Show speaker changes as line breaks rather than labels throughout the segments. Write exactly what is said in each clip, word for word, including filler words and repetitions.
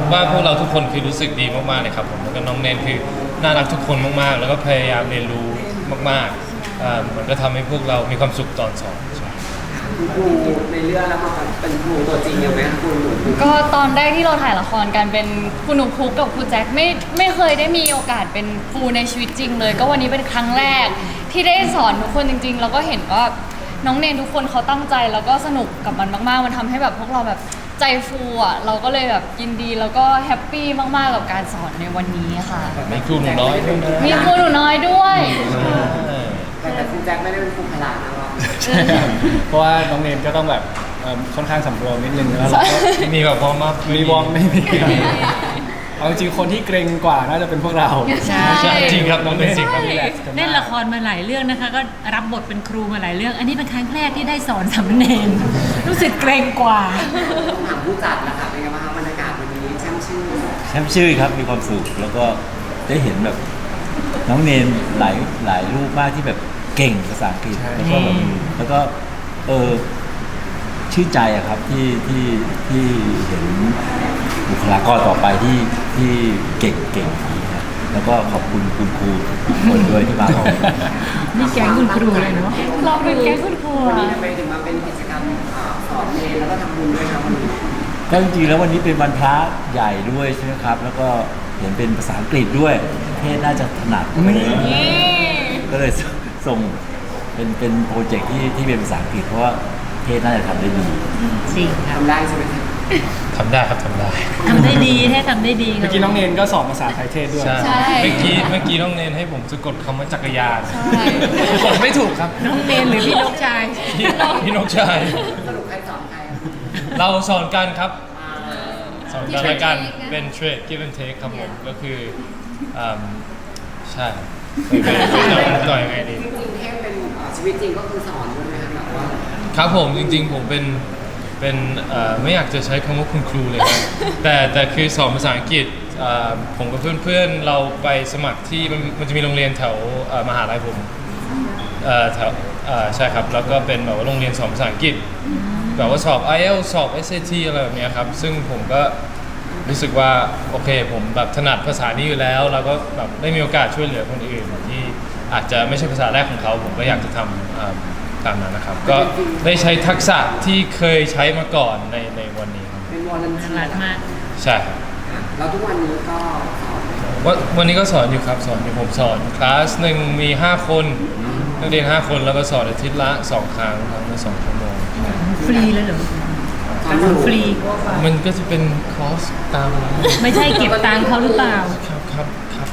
ว่าพวกเราทุกคนคือรู้สึกดีมากๆเลยครับผมแล้วก็น้องเนนคือน่ารักทุกคนมากๆแล้วก็พยายามเรียนรู้มากๆอ่ามันก็ทำให้พวกเรามีความสุขตอนสอน
คุณครูในเรื่องแล้วมาเป็นครูตัวจริงยังไหมคะคุณหนู
ก็ตอนแรกที่เราถ่ายละครกันเป็นคุณหนุ่มพุกกับครูแจ็คไม่ไม่เคยได้มีโอกาสเป็นครูในชีวิตจริงเลย ก็วันนี้เป็นครั้งแรกที่ได้สอนทุกคนจริงๆแล้วก็เห็นว่าน้องเนนทุกคนเขาตั้งใจแล้วก็สนุกกับมันมากๆมันทำให้แบบพวกเราแบบใจฟูอ่ะเราก็เลยแบบยินดีแล้วก็แฮปปี้มากๆกับการสอนในวันนี้ค่ะ
มีครูหนูน้อยด้วยนะ
มีครูหนูน้อยด้วย
แต่แต่คุณแจ็คไม่ได้เป็นครูพละนะเรา
เพราะว่าน้องเนมก็ต้องแบบค่อนข้างสำรวมนิดนึงแล้วเราก็
มีแบบวอร์มอัพ
มีวอร์มไม่มีเอาจริงคนที่เกรงกว่าน่าจะเป็นพวกเรา
ใช่
จริงครับน้องเนนจริงครับ
เล่นละครมาหลายเรื่องนะคะก็รับบทเป็นครูมาหลายเรื่องอันนี้เป็นครั้งแรกที่ได้สอนสามเณรรู้สึกเกรงกว่า
ต้องถามผู้จัดนะคะเป็นไงบ้างบรรยากาศวันนี้แช่มชื่น
แช่มชื่นครับมีความสุขแล้วก็ได้เห็นแบบน้องเนนหลายหลายรูปมากที่แบบเก่งภาษาอังกฤษแล้วก็แบบแล้วก็เออชื่นใจอะครับที่ที่ที่เห็นบุคลากรต่อไปที่ที่เก่งเก่งดีนะแล้วก็ขอบคุณคุณครูทุกคนด้วยที่มาเอา
นี่แก๊งคุณครูเลยเนาะ
เราเป็นแก๊งคุณครู
วันนี้ทำไมถึงมาเป็นกิจกรรมสอนเรียนแล้วก็ทำบุญด้วยครับวันนี้
ก็จริงๆแล้ววันนี้เป็นวันพระใหญ่ด้วยใช่ไหมครับแล้วก็เห็นเป็นภาษาอังกฤษด้วยเทศน่าจะถนัดไม่ได้ก็เลยส่งเป็นเป็นโปรเจกต์ที่ที่เป็นภาษาอังกฤษเพราะว่าเทศน่าจะทำได้ดี
จริงครับ
ทำได้ใช่ไหมครับ
ทำได้ครับทำได้
ทำได้ดีแท้ทำได้ดี
เมื่อกี้น้องเนนก็สอนภาษาไทยเทศด้วย
ใช่เมื่อกี้เมื่อกี้น้องเนนให้ผมสะกดคำว่าจักรยานกดไม่ถูกครับ
น้องเนนหรือพี่นกชาย
พี่นกชาย
สรุปใครสอนใคร
เราสอนกันครับสอนกันและกันเป็น trade give and take ครับผมก็คือใช่ต่อยยังไงดี
จริงๆเทพเป็นชีวิตจริงก็คือสอนด้วยไหมครับแบบว่า
ครับผมจริงๆผมเป็นเป็นไม่อยากจะใช้คำว่าคุณครูเลยครับแต่แต่คือสอนภาษาอังกฤษผมกับเพื่อนๆเราไปสมัครที่มันจะมีโรงเรียนแถวมหาลัยผมแถวใช่ครับแล้วก็เป็นแบบว่าโรงเรียนสอนภาษาอังกฤษแบบว่าสอบ ไอ เอล สอบ เอส เอ ที อะไรแบบนี้ครับซึ่งผมก็รู้สึกว่าโอเคผมแบบถนัดภาษานี้อยู่แล้วแล้วก็แบบได้มีโอกาสช่วยเหลือคนอื่นที่อาจจะไม่ใช่ภาษาแรกของเขาผมก็อยากจะทำตามนั้นนะครับก็ได้ใช้ทักษะที่เคยใช้มาก่อนในในวันนี้ครับ
เป็นวอลเลนเทียร์
มาก
ใช่
แล้วทุกวันนี้ก็สอน
วันวันนี้ก็สอนอยู่ครับสอนอยู่ผมสอนคลาสหนึ่งมีห้าคนนักเรียนห้าคนแล้วก็สอนอาทิตย์ละสองครั้งครั้งละสองชั่วโมง
ฟรีเลยเหรอการสอนฟรี
มันก็จะเป็นคอสตาม
ไม่ใช่เก็บตังค์เขาหรือเปล่า
ครับครับครับ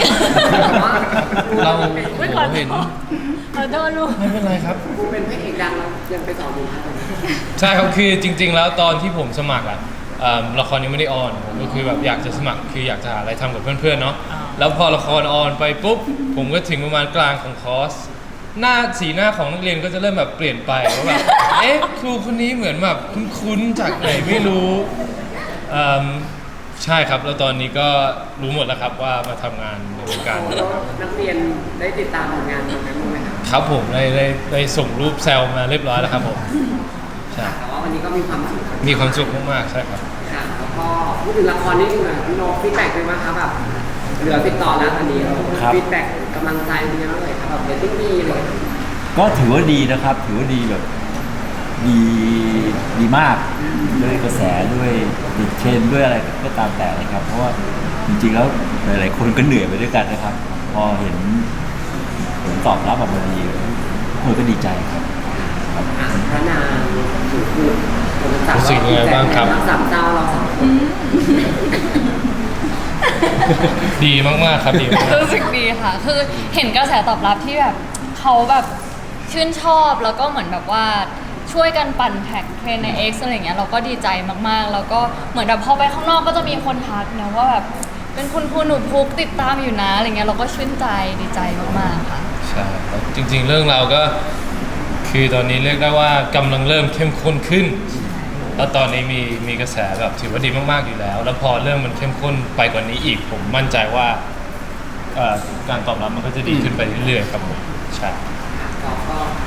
เราเห็น
ขอโทษลูก
ไม่เป็นไรครับ
ครูเป็นพระเอกดังแล้วยังไปสอนอยู่ครับ
ใช่ครับคือจริงๆแล้วตอนที่ผมสมัครอ่ะละครยังไม่ได้ออนผมก็คือแบบอยากจะสมัครคืออยากจะหาอะไรทำกับเพื่อนๆเนาะแล้วพอละครออนไปปุ๊บผมก็ถึงประมาณกลางของคอร์สหน้าสีหน้าของนักเรียนก็จะเริ่มแบบเปลี่ยนไปว่าแบบเอ๊ะครูคนนี้เหมือนแบบคุ้นๆจากไหนไม่รู้ใช่ครับแล้วตอนนี้ก็รู้หมดแล้วครับว่ามาทำงานในวงการ
นักเรียนได้ติดตามผลงานตรงนั้นไหมครับ
ครับผมได้ได้ได้ส่งรูปแซลมาเรียบร้อยแล้วครับผม
ใช่แต่ว่าวันนี้ก็มีความสุข
มีความสุขมากๆใช่ครับ
ค่ะแล้วก็พูดถึงละครนิดนึงนะพี่โน้ตฟีดแบ็กเลยไหมคะแบบเหลือติดต่อแล้วตอนนี้ฟีดแบ็กกำลังใจเป็นยังไงเลยครับแบบเรตติ้งดีเลย
ก็ถือว่าดีนะครับถือว่าดีแบบดีดีมากด้วยกระแสด้วยดิเทรนด้วยอะไรก็ตามแต่นะครับเพราะว่าจริงๆแล้วหลายๆคนก็เหนื่อยไปด้วยกันนะครับพอเห็นผลตอบรับออกมาดีคนก็ดีใจครับ
พระนางถูกพูด
รู้สึกยังไงบ้างครับ
สามเจ้าเราสองคน
ดีมากๆครับดี
รู้สึกดีค่ะคือเห็นกระแสตอบรับที่แบบเขาแบบชื่นชอบแล้วก็เหมือนแบบว่าช่วยกันปั่นแท็กเทรนใน X อะไรเงี้ยเราก็ดีใจมากๆแล้วก็เหมือนแบบพอไปข้างนอกก็จะมีคนทักนะว่าแบบเป็นคุณครูหนูพุกติดตามอยู่นะอะไรเงี้ยเราก็ชื่นใจดีใจมากๆค่ะ
ใช่จริงๆเรื่องเราก็คือตอนนี้เรียกได้ว่ากำลังเริ่มเข้มข้นขึ้นแล้วตอนนี้มีมีกระแสแบบถือว่าดีมากๆอยู่แล้วแล้วพอเรื่องมันเข้มข้นไปกว่านี้อีกผมมั่นใจว่าการตอบรับมันก็จะดีขึ้นไปเรื่อยๆครับผมใช่
ก็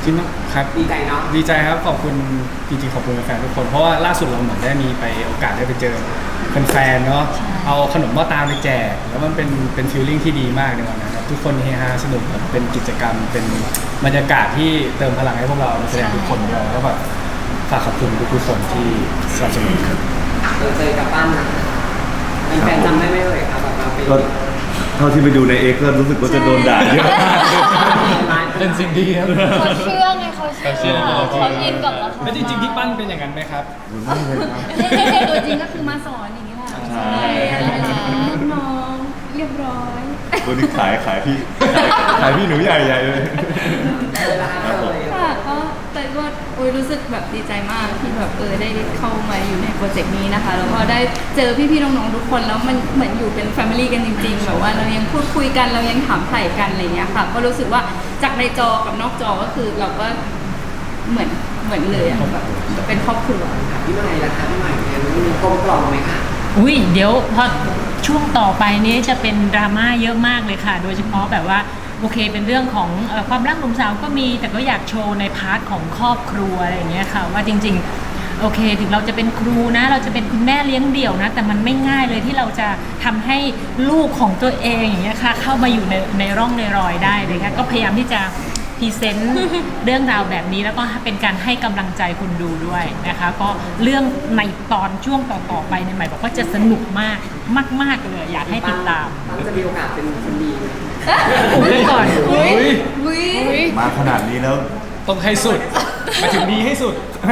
ริงๆครับ
ดีใจเนาะ
ดีใจครับขอบคุณจริงๆขอบคุณแฟนๆทุกคนเพราะว่าล่าสุดเราเหมือนได้มีไปโอกาสได้ไปเจอแฟนๆเนาะเอาขนมหม้อตามไปแจกแล้วมันเป็นเป็นฟีลลิ่งที่ดีมากในวันนั้นครับทุกคนเฮฮาสนุกแบบเป็นกิจกรรมเป็นบรรยากาศที่เติมพลังให้พวกเรานักแสดงทุกคนด้วยแล้วก็แบบฝากขอบคุณทุกๆคนที่สนับสนุนครับ
เจอเจอกับปั้นนะเป็นแฟนจำได้ไหมเอ่ยครับแบบเราไป
ก็เท่าที่ไปดูในเอ็กซ์ก็รู้สึกว่าจะโดนด่าเยอะมาก
เป็นสิ่งดีครับ
เขาเชื่อไงเขาเชื่อ
เขาเชื่อ
เขาอินกับละคร
แล้วจริงๆที่ปั้นเป็นอย่างนั้นไหมครับ
ตัวจริงก็คือมาสอนอย่างนี้แหละ
ใช่
น้องเรียบร้อย
ตัวนี้ขายขายพี่ขายพี่หนูใหญ่ใหญ่เลย
เจอแล้วครับเลย
ค่ะก็แต่ก็โอ้ยรู้สึกแบบดีใจมากที่แบบเออได้เข้ามาอยู่ในโปรเจกต์นี้นะคะแล้วก็ได้เจอพี่ๆน้องๆทุกคนแล้วมันเหมือนอยู่เป็นแฟมิลี่กันจริงๆแบบว่าเรายังพูดคุยกันเรายังถามไถ่กันอะไรเงี้ยค่ะก็รู้สึกว่าจากในจอกับนอกจอก็คือเราก็เหมือนเหมือนเลยอะแบบเป็นครอบครัว
พี่ใหม่ล่ะคะพี่ใหม่เนี่ยมันมีกลมกล่อมไหมคะ
อุ้ยเดี๋ยวพอช่วงต่อไปนี้จะเป็นดราม่าเยอะมากเลยค่ะ โดยเฉพาะแบบว่าโอเคเป็นเรื่องของเอ่อความรักหนุ่มสาวก็มีแต่ก็อยากโชว์ในพาร์ทของครอบครัวอะไรอย่างเงี้ยค่ะว่าจริงๆโอเคถึงเราจะเป็นครูนะ เราจะเป็นคุณแม่เลี้ยงเดี่ยวนะ แต่มันไม่ง่ายเลยที่เราจะทำให้ลูกของตัวเองอย่างเงี้ยค่ะเข้ามาอยู่ในในร่องในรอยได้เลยค่ะก็พยายามที่จะพรีเซนต์เรื่องราวแบบนี้แล้วก็เป็นการให้กำลังใจคนดูด้วยนะคะก็เรื่องในตอนช่วงต่อๆไปในยใหม่บอกว่าจะสนุกมากมากๆเลยอยากให้ติดตาม
ปั้นจะมีโอกาสเป็นคนดีไหม
อุบไว้ก่อน
อุ้ย
มาขนาดนี้แล้ว
ต้องให้สุดมาถึงดีให้สุด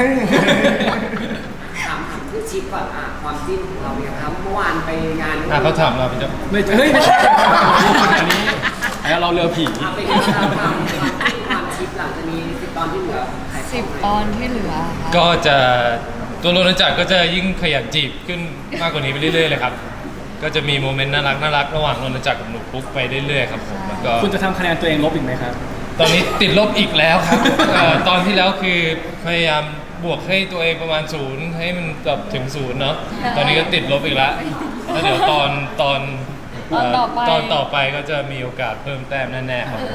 ถามถามคือชิปก่อนอ่ะความจิ้นของเราเนี่ยครับเมื่อวานไปงาน
อ่ะเขาถามเราเป็นจะ
ไม่เฮ้ยไม่ใช่อันนี้อันนี้เราเรือผี
อ่ะเป็นยังไงบ้างความความจิ้นความชิปหลังจากนี้สิบตอนที่เหลือขายข
สิ
อง
บ
ไหม
ตอนที่เหลือค่ะ
ก็จะตัวโรนจักรก็จะยิ่งขยันจีบขึ้นมากกว่านี้ไปเรื่อยๆเลยครับ ก็จะมีโมเมนต์น่ารักน่ารักระหว่างโรนจักรกับหนูปุ๊กไปเรื่อยๆครับผมแล้วก็
คุณจะทำคะแนนตัวเองลบอีกไหมครับ
ตอนนี้ติดลบอีกแล้วครับ เอ่อตอนที่แล้วคือพยายามบวกให้ตัวเองประมาณศูนย์ให้มันแบบถึงศูนย์เนาะตอนนี้ก็ติดลบอีกแล้วแล้วเดี๋ยวตอนตอนเ
ตอนต่อไป
ตอนต่อไปก็จะมีโอกาสเพิ่มแต้มแน่ๆครับ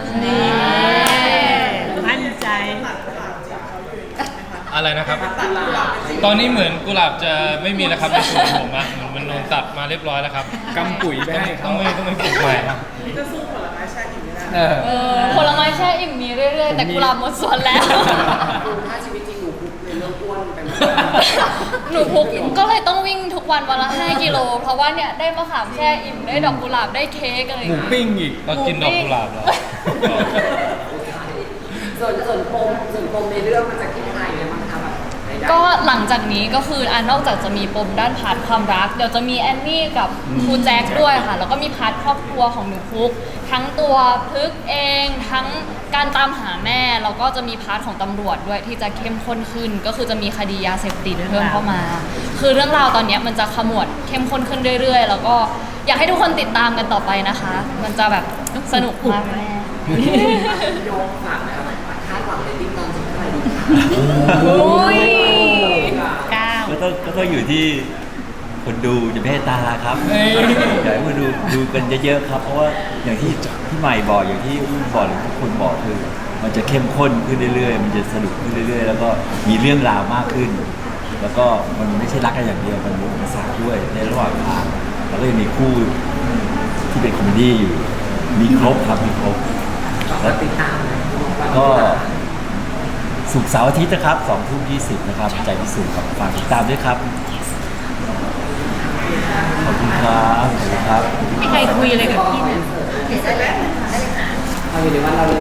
มั่นใจ
อะไรนะครับ ตอนนี้เหมือนกุหลาบจะไม่มีแล้วครับในสวนผมอะเหมือนมันโดนตัดมาเรียบร้อยแล้วครับ
กำปุ๋ยไปให้
ต้
เขา
องไม่ต้องไม่ปลูกใหม่ครับ
เออ
เออผลไม้แช่อิ่มมีเรื่อยๆ แต่กุหลาบหมดสวนแล้ว
ดูถ้าชีวิตจริงหนูคุกในเรื่องอ้วนเป็น
หนูพุกก็เลยต้องวิ่งทุกวันวันละห้ากิโล เพราะว่าเนี่ยได้มะขามแช่อิ่มได้ดอกกุหลาบได้เค้กอะไรอ
หมู
ย่างเงี้ย
ปิ้งอีก
ก็กินดอกกุหลาบแล้ว
ส่วนส่วนปมส่วนปมในเรื่องมันจะคิดใครเลยมั้งคะแบบไหนได้
ก็หลังจากนี้ก็คืออ่านอกจากจะมีปมด้านพาร์ทความรัก เดี๋ยวจะมีแอนนี่กับครูแจ็คด้วยค่ะ แล้วก็มีพาร์ทครอบครัวของหนูพุก ทั้งตัวพึกเอง ทั้งการตามหาแม่ แล้วก็จะมีพาร์ทของตำรวจด้วยที่จะเข้มข้นขึ้น ก็คือจะมีคดียาเสพติดเพิ่มเข้ามา คือเรื่องราวตอนเนี้ยมันจะขมวดเข้มข้นขึ้นเรื่อยๆ แล้วก็อยากให้ทุกคนติดตามกันต่อไปนะคะ มันจะแบบสนุกมากแน่
โยงฝากนะครับคาดหวังในติ้งตอนสุดท้ายดีค่ะ
โอ้ย
เก้า
ก็ต้องก็ต้องอยู่ที่คนดูจะเมตตาครับ
เฮ้ย
อยากให้คนดูดูกันเยอะๆครับ เพราะว่าอย่างที่พี่ใหม่บอกอย่างที่อุ้มบอกหรือทุกคนบอกคือ มันจะเข้มข้นขึ้นเรื่อยๆ มันจะสนุกขึ้นเรื่อยๆ แล้วก็มีเรื่องราวมากขึ้น แล้วก็มันไม่ใช่รักกันอย่างเดียวมันมีอุปสรรคด้วยในระหว่างทางแล้วก็ยังมีคู่ที่เป็นคอมเมดี้อยู่มีครบครับมีครบ
ก็ติดตามนะ
ก็สุกร์เสาร์อาทิตย์นะครับสองทุ่มยี่สิบนะครับ ใจพิสูจน์ครับฝากติดตามด้วยครับ ขอบคุณครับขอบคุณครับ
ไม่ใครคุยอะไรกับพี่เลย
เราอยู่ในวันเรา